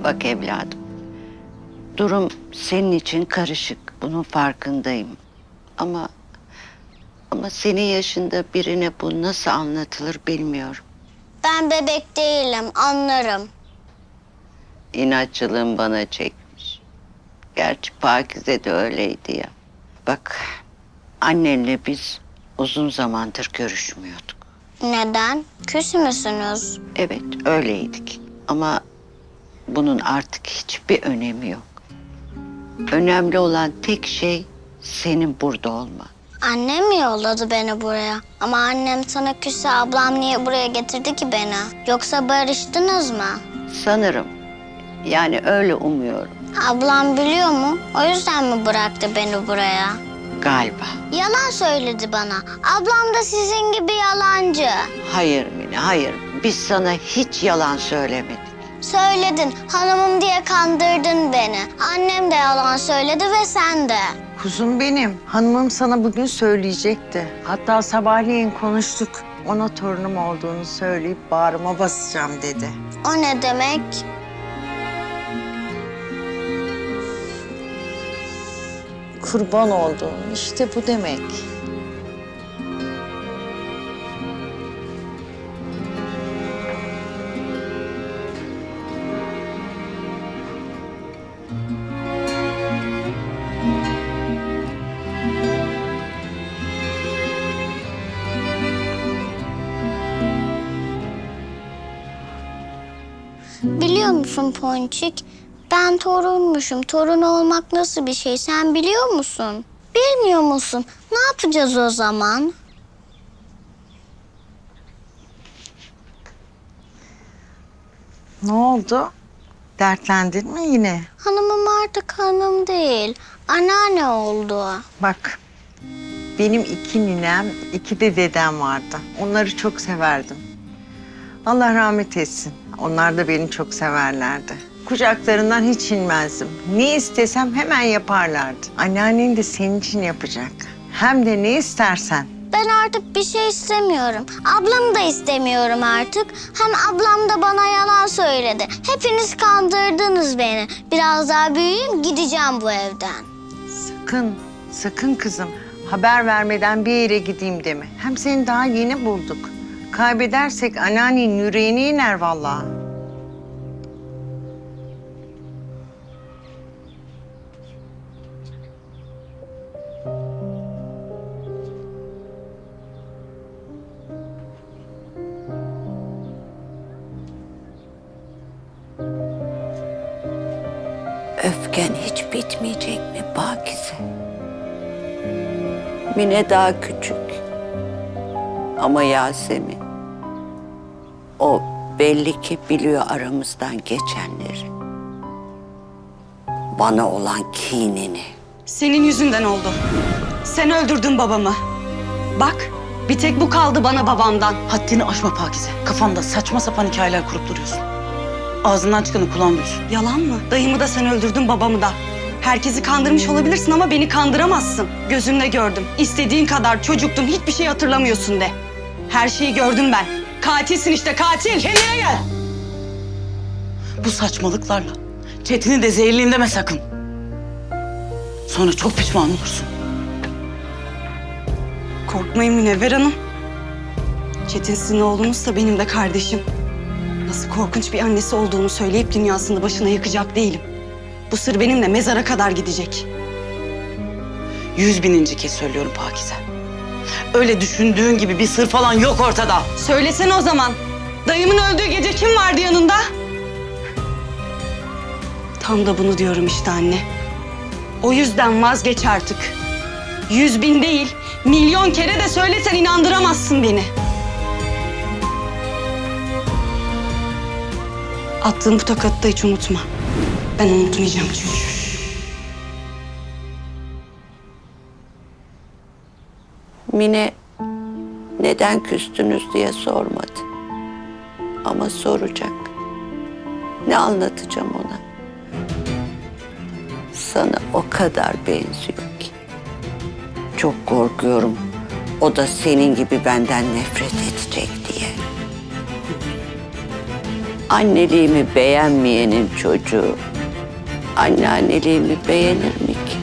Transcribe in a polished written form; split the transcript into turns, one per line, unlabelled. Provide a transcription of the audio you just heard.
Bak evladım, durum senin için karışık. Bunun farkındayım. Ama senin yaşında birine bu nasıl anlatılır bilmiyorum.
Ben bebek değilim, anlarım.
İnatçılığın bana çekmiş. Gerçi Pakize de öyleydi ya. Bak, annenle biz uzun zamandır görüşmüyorduk.
Neden? Küs müsünüz?
Evet, öyleydik. Ama bunun artık hiçbir önemi yok. Önemli olan tek şey senin burada olman.
Annem mi yolladı beni buraya? Ama annem sana küsse ablam niye buraya getirdi ki beni? Yoksa barıştınız mı?
Sanırım. Yani öyle umuyorum.
Ablam biliyor mu? O yüzden mi bıraktı beni buraya?
Galiba.
Yalan söyledi bana. Ablam da sizin gibi yalancı.
Hayır Mine, hayır. Biz sana hiç yalan söylemedik.
Söyledin, hanımım diye kandırdın beni. Annem de yalan söyledi ve sen de.
Kuzum benim. Hanımım sana bugün söyleyecekti. Hatta sabahleyin konuştuk. Ona torunum olduğunu söyleyip bağrıma basacağım dedi.
O ne demek?
Kurban olduğum işte bu demek.
Biliyor musun Ponçik? Ben torunmuşum. Torun olmak nasıl bir şey sen biliyor musun? Bilmiyor musun? Ne yapacağız o zaman?
Ne oldu? Dertlendin mi yine?
Hanımım artık hanım değil. Anneanne oldu.
Bak, benim 2 ninem, 2 de dedem vardı. Onları çok severdim. Allah rahmet etsin. Onlar da beni çok severlerdi. Kucaklarından hiç inmezdim. Ne istesem hemen yaparlardı. Anneannen de senin için yapacak. Hem de ne istersen.
Ben artık bir şey istemiyorum. Ablamı da istemiyorum artık. Hem ablam da bana yalan söyledi. Hepiniz kandırdınız beni. Biraz daha büyüyeyim gideceğim bu evden.
Sakın, sakın kızım. Haber vermeden bir yere gideyim deme. Hem seni daha yeni bulduk. Kaybedersek anneannenin yüreğine iner vallahi.
Öfken hiç bitmeyecek mi Pakize? Mine daha küçük. Ama Yasemin, o belli ki biliyor aramızdan geçenleri. Bana olan kinini.
Senin yüzünden oldu. Sen öldürdün babamı. Bak, bir tek bu kaldı bana babamdan.
Haddini aşma Pakize. Kafanda saçma sapan hikayeler kurup duruyorsun. Ağzından çıkanı kulağın duysun.
Yalan mı? Dayımı da sen öldürdün, babamı da. Herkesi kandırmış olabilirsin ama beni kandıramazsın. Gözümle gördüm. İstediğin kadar çocuktun, hiçbir şey hatırlamıyorsun de. Her şeyi gördüm ben. Katilsin işte, katil.
Kendine gel. Bu saçmalıklarla Çetin'i de zehirleyeyim deme sakın. Sonra çok pişman olursun.
Korkmayın Münevver Hanım. Çetin sizin oğlunuz da benim de kardeşim. Nasıl korkunç bir annesi olduğunu söyleyip dünyasını başına yıkacak değilim. Bu sır benimle mezara kadar gidecek.
100.000. kez söylüyorum Pakize. Öyle düşündüğün gibi bir sır falan yok ortada.
Söylesene o zaman. Dayımın öldüğü gece kim vardı yanında? Tam da bunu diyorum işte anne. O yüzden vazgeç artık. 100.000 değil, milyon kere de söylesen inandıramazsın beni. Attığın bu tokatı da hiç unutma. Ben unutmayacağım çünkü.
Mine neden küstünüz diye sormadı. Ama soracak. Ne anlatacağım ona? Sana o kadar benziyor ki. Çok korkuyorum. O da senin gibi benden nefret edecek diye. Anneliğimi beğenmeyenin çocuğu anneanneliğimi beğenir mi ki?